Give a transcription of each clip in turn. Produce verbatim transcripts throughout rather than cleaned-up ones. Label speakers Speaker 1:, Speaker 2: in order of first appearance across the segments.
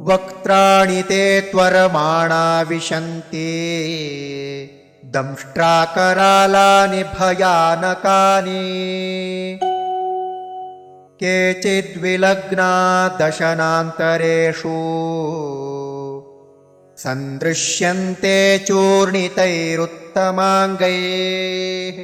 Speaker 1: वक्त्राणि ते त्वरमाणा विशन्ति दंष्ट्राकरालानि भयानकानि केचिद्विलग्ना दशनान्तरेषु सन्दृश्यन्ते चूर्णितैरुत्तमाङ्गैः।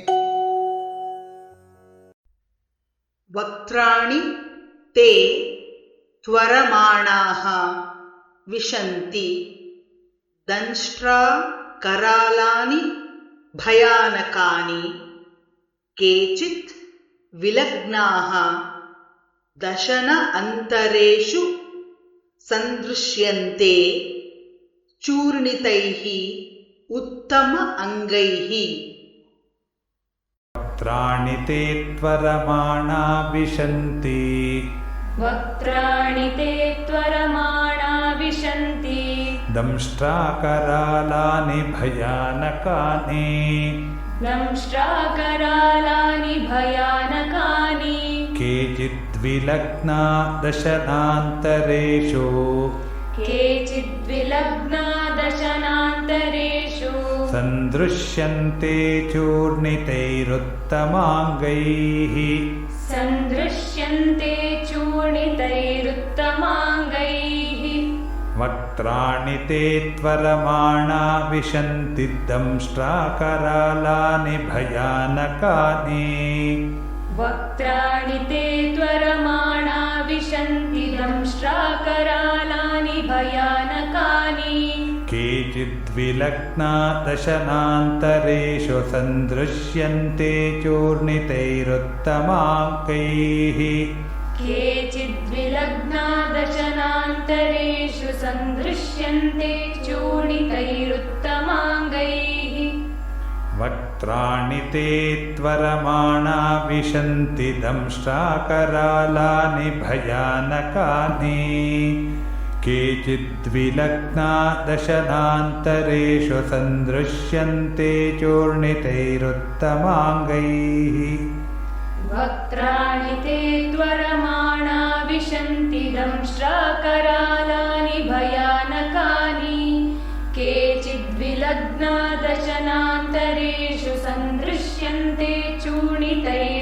Speaker 2: वक्त्राणि ते त्वरमाणाः विशन्ति दंष्ट्रा करालानि भयानकानि केचित् विलग्नाः दशन अन्तरेषु सन्दृश्यन्ते चूर्णितैः उत्तम अङ्गैः।
Speaker 3: वक्त्राणि ते त्वरमाणा विशन्ति
Speaker 4: वक्त्राणि ते त्वरमाणा विशन्ति
Speaker 3: दंष्ट्राकरालानि भयानकानि
Speaker 4: दंष्ट्राकरालानि भयानकानि
Speaker 3: केचिद्विलग्ना दशनान्तरेषु
Speaker 4: केचिद्विलग्ना दशनान्तरेषु
Speaker 3: सन्दृश्यन्ते चूर्णितैरुत्तमाङ्गैः
Speaker 4: सन्दृश्यन्ते चूर्णितैरुत्तमाङ्गैः।
Speaker 3: वक्त्राणि ते त्वरमाणा विशन्ति दंष्ट्राकरालानि भयानकानि
Speaker 4: वक्त्राणि ते त्वरमाणा विशन्ति दंष्ट्राकरालानि भयानकानि
Speaker 3: केचिद्विलग्ना दशनान्तरेषु सन्दृश्यन्ते चूर्णितैरुत्तमाङ्गैः
Speaker 4: केचिद्विलग्ना दशनान्तरेषु सन्दृश्यन्ते चूर्णितैरुत्तमाङ्गैः।
Speaker 3: वक्त्राणि ते त्वरमाणा विशन्ति दंष्ट्राकरालानि भयानकानि केचिद्विलग्ना दशनान्तरेषु सन्दृश्यन्ते चूर्णितैरुत्तमाङ्गैः।
Speaker 4: वक्त्राणि ते त्वरमाणा विशन्ति दंष्ट्राकरालानि भयानकानि केचिद्विलग्ना दशनान्तरेषु सन्दृश्यन्ते चूर्णितैरुत्तमाङ्गैः।